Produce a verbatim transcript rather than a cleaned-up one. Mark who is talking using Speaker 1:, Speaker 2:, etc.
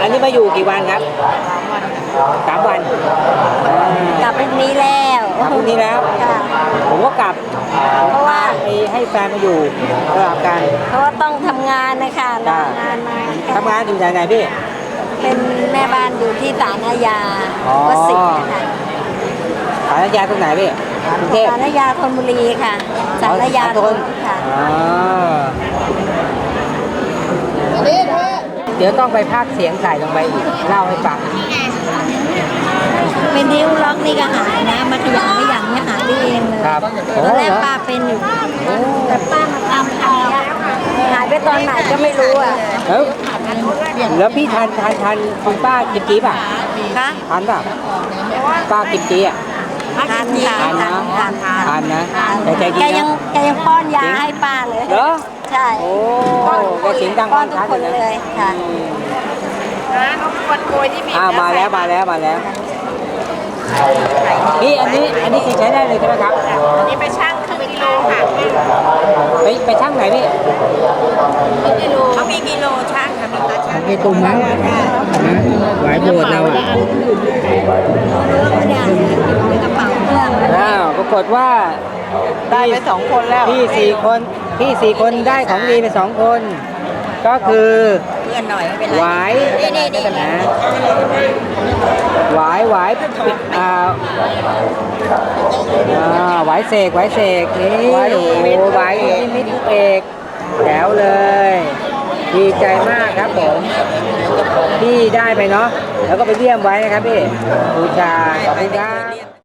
Speaker 1: นนี้มาอยู่กี่วันครับสามวัน
Speaker 2: กลับพรุ่งนี้แล้ว
Speaker 1: กลับพรุ่งนี้แล้วผมก็กลับเพราะว่าให้แฟนมาอยู่สลับกัน
Speaker 2: เพราะว่าต้องทำงานนะคะทำงานมา
Speaker 1: ทำงานอยู่ไหนไหนพี่
Speaker 2: เป็นแม่บ้านอยู่ที่ศาลอาญาวัดสิงห์ค่ะ
Speaker 1: ศาลอาญาตรงไหนพี่กรุงเทพ
Speaker 2: ศาลอาญาธนบุรีค่ะศาลอาญาธนค่ะ
Speaker 1: เดี๋ยวต้องไปพากเสียงใส่ลงไปอีกเล่าให้ฟัง
Speaker 2: เป็นนิ้วล็อกนี่ก็หายนะมาขยันไม่อย่างนี้หายได้เองเลยตอนแรกป้าเป็นอยู่แต่ป้ามาทำเอาหายไปตอนไหนก็ไม่รู้อ่ะ
Speaker 1: แล้วแล้วพี่ทานทานทานคุณป้ากิมจีป่ะ
Speaker 2: คะ
Speaker 1: ทานป่ะป้ากิมจีอ่ะ
Speaker 2: ทานทาน
Speaker 1: ทานนะทานนะแต่ใจดี
Speaker 2: นะแกยังแกยังป้อนยาให้ป้าเลย
Speaker 1: เหรอ
Speaker 2: ใช่
Speaker 1: โอ้แกเสียงดัง
Speaker 2: ป้อนทุกคนเลยค่ะ
Speaker 3: นะเขาคนโกยที่มี
Speaker 1: อ่ามาแล้วมาแล้วมาแล้วนี่อันนี้อันนี้คือใช้ได้เลยใช่ไหมครับ
Speaker 3: อันนี้ไปช่างครึ่งกิโลค่ะ
Speaker 1: ไปไปช่างไหนพี่
Speaker 3: กิโลเขามีกิโลช่างค่ะมีตาช่าง
Speaker 1: มีตุ้มมั้งไหวโบดเราอ่ะอ้าวปรากฏว่า
Speaker 3: ได้ไปสองคนแล้ว
Speaker 1: พี่สี่คนพี่สี่คนได้ของดีไปสองคนก็คือ
Speaker 3: เพื่อนหน่อยไม่เป็นไร
Speaker 1: หวาย
Speaker 3: นี่นี่
Speaker 1: นะหวายหวายอ่าอ่าหวายเสกหวายเสกนี่โอ้หวายมิตรเอกแถวเลยดีใจมากครับผมที่ได้ไปเนาะแล้วก็ไปเยี่ยมไว้นะครับพี่บูชาขอบคุณครับ